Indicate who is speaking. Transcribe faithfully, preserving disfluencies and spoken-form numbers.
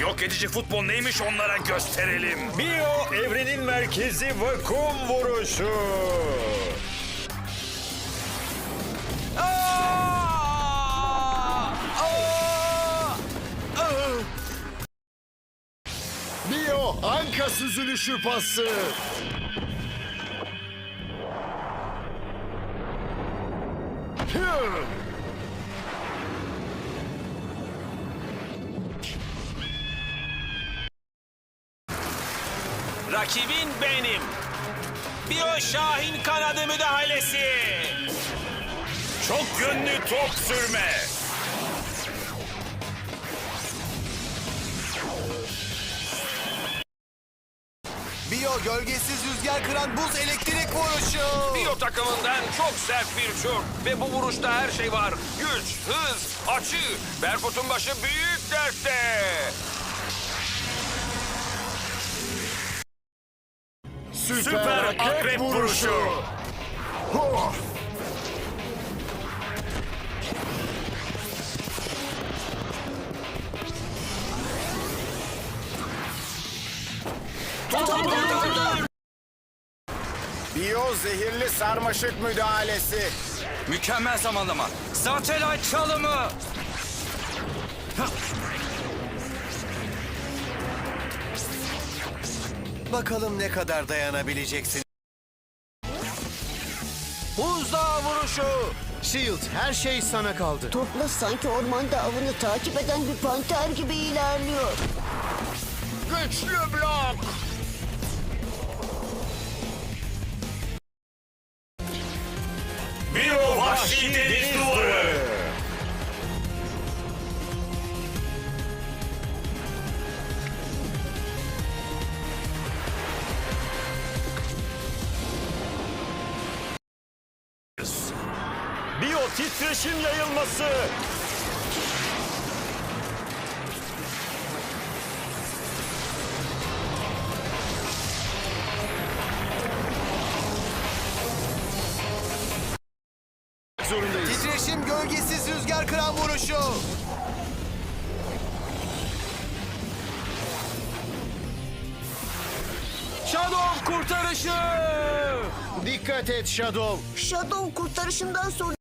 Speaker 1: Yok edici futbol neymiş onlara gösterelim.
Speaker 2: Bio evrenin merkezi vakum vuruşu.
Speaker 3: Bio anka süzülüşü pası. Hı!
Speaker 4: Rakibin benim. Bio Şahin kanadı müdahalesi.
Speaker 1: Çok yönlü top sürme.
Speaker 5: Bio gölgesiz rüzgar kıran buz elektrik vuruşu.
Speaker 6: Bio takımından çok sert bir şut ve bu vuruşta her şey var. Güç, hız, açı. Berkut'un başı büyük dertte.
Speaker 3: Süper,
Speaker 1: Süper akrep vuruşu.
Speaker 3: Huh!
Speaker 5: Bio zehirli sarmaşık müdahalesi.
Speaker 4: Mükemmel zamanlama. Satellite çalımı.
Speaker 5: Bakalım ne kadar dayanabileceksin.
Speaker 4: Buzdağı vuruşu.
Speaker 5: Shield her şey sana kaldı.
Speaker 7: Topla sanki ormanda avını takip eden bir panter gibi ilerliyor.
Speaker 3: Güçlü blok.
Speaker 1: Bio vahşi deniz duvarı.
Speaker 2: Bio titreşim yayılması.
Speaker 3: Zorundayız.
Speaker 5: Titreşim gölgesiz rüzgar kıran vuruşu.
Speaker 4: Shadow kurtarışı.
Speaker 3: Dikkat et Shadow.
Speaker 7: Shadow kurtarışından sonra